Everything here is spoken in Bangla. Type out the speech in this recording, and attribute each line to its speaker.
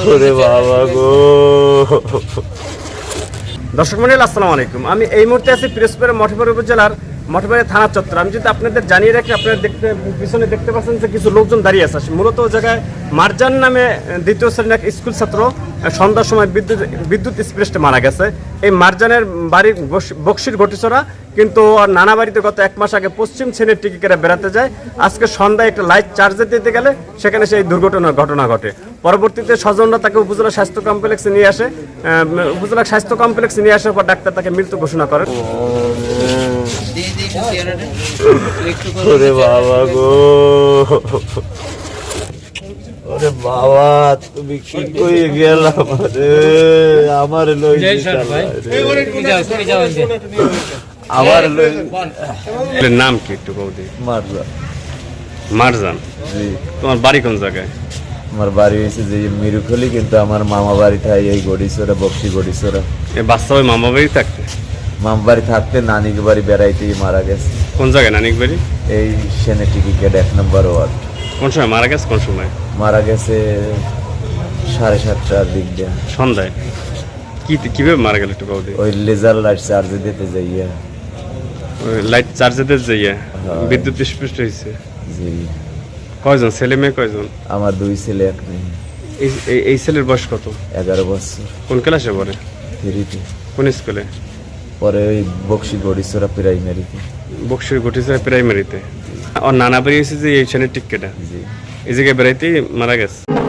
Speaker 1: ওরে বাবা গো।
Speaker 2: দর্শক মণ্ডলী আসসালামু আলাইকুম। আমি এই মুহূর্তে আছি পিরোজপুরের মঠবাড়ি উপজেলার মঠবাড়ি থানা চত্বর। আমি যদি আপনাদের জানিয়ে রাখি, আপনারা পিছনে দেখতে পাচ্ছেন যে কিছু লোকজন দাঁড়িয়ে আছে। মূলত ওই জায়গায় মারজান নামে দ্বিতীয় শ্রেণীর এক স্কুল ছাত্র সন্ধ্যার সময় বিদ্যুৎ স্পৃষ্টে মারা গেছে। এই মারজানের বাড়ির বক্সির ঘটিছরা, কিন্তু নানা বাড়িতে গত 1 মাস আগে পশ্চিম শ্রেণীর টিকিকেরা বেড়াতে যায়। আজকে সন্ধ্যায় একটা লাইট চার্জে দিতে গেলে সেখানে সেই ঘটনা ঘটে। পরবর্তীতে স্বজনরা তাকে উপজেলা স্বাস্থ্য কমপ্লেক্সে নিয়ে আসে। উপজেলা স্বাস্থ্য কমপ্লেক্সে নিয়ে আসার পর ডাক্তার তাকে মৃত ঘোষণা করেন।
Speaker 1: ওরে বাবা গো, ওরে বাবা তুমি কি কই গেলা আমার লই আমার
Speaker 2: নাম কি একটু বলদি?
Speaker 1: মারজান।
Speaker 2: মারজান,
Speaker 1: জি।
Speaker 2: তোমার বাড়ি কোন জায়গায়?
Speaker 1: আমার বাড়ি হয়েছে যে মিরুখলি, কিন্তু আমার মামা বাড়ি থাকে এই গড়িছড়া, বক্সি গড়িছড়া।
Speaker 2: এই বাচ্চা ওই মামা বাড়ি থাকতে?
Speaker 1: মামা বাড়ি থাকতে নানিক বাড়ি বেড়াইতে মারা গেছে।
Speaker 2: কোন জায়গায় নানিক বাড়ি?
Speaker 1: এই সেনে টিকিকেট 1 নম্বর ওয়ার্ড।
Speaker 2: কোন সময় মারা গেছে? কোন সময়
Speaker 1: মারা গেছে? 7:30টার দিক দিয়ে,
Speaker 2: সন্ধ্যায়। কিভাবে মারা গেল একটু বলদি?
Speaker 1: ওই লেজার লাইট চার্জে দিতে যাইয়া।
Speaker 2: লাইট চার্জে দিয়ে যাইয়া বিদ্যুৎ স্পৃষ্ট হয়েছে।
Speaker 1: জি।
Speaker 2: কয়জন ছেলে মেয়ে কয়জন?
Speaker 1: আমার 2 ছেলে 1 মেয়ে।
Speaker 2: এই ছেলের বয়স কত?
Speaker 1: 11 বছর।
Speaker 2: কোন ক্লাসে পড়ে?
Speaker 1: 3-তে।
Speaker 2: কোন স্কুলে?
Speaker 1: পরে ওই বক্সি গড়িছড়া প্রাইমারিতে।
Speaker 2: বক্সির ঘটিছে প্রাইমারিতে। আর নানা বাড়ি এসেছে এই শ্রেণীর টিকেটা
Speaker 1: জি।
Speaker 2: এই জায়গায় বেড়াইতেই মারা গেছে।